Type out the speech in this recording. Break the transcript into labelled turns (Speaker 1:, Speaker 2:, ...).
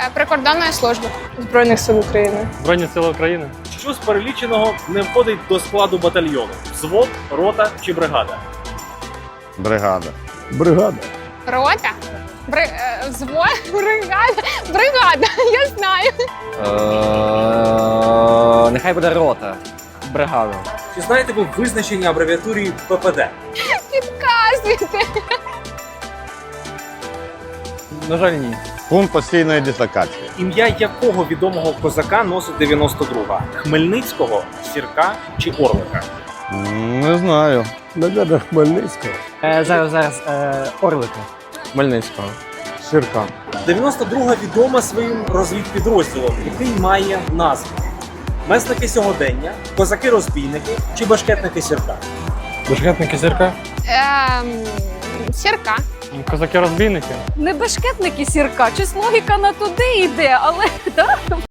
Speaker 1: Прикордонної служби.
Speaker 2: Збройних сил України.
Speaker 3: Збройні сили України.
Speaker 4: Що з переліченого не входить до складу батальйону? Взвод, рота чи бригада?
Speaker 5: Бригада.
Speaker 6: Бригада.
Speaker 1: Рота? Взвод? Бригада? Бригада, я знаю.
Speaker 7: Нехай буде рота. Бригада.
Speaker 4: Чи знаєте ви визначення абревіатурі ППД?
Speaker 1: Підказуйте.
Speaker 7: На жаль, ні.
Speaker 5: Пункт постійної дислокації.
Speaker 4: Ім'я якого відомого козака носить 92-га? Хмельницького, Сірка чи Орлика?
Speaker 5: Не знаю.
Speaker 6: Наверно, Хмельницького.
Speaker 7: Зараз. Орлика. Хмельницького.
Speaker 6: Сірка.
Speaker 4: 92-га відома своїм розвідпідрозділом, який має назву. Месники сьогодення, козаки-розбійники чи башкетники Сірка?
Speaker 3: Башкетники Сірка.
Speaker 1: Сірка.
Speaker 3: Козаки-розбійники.
Speaker 2: Не бешкетники Сірка, щось логіка на туди йде, але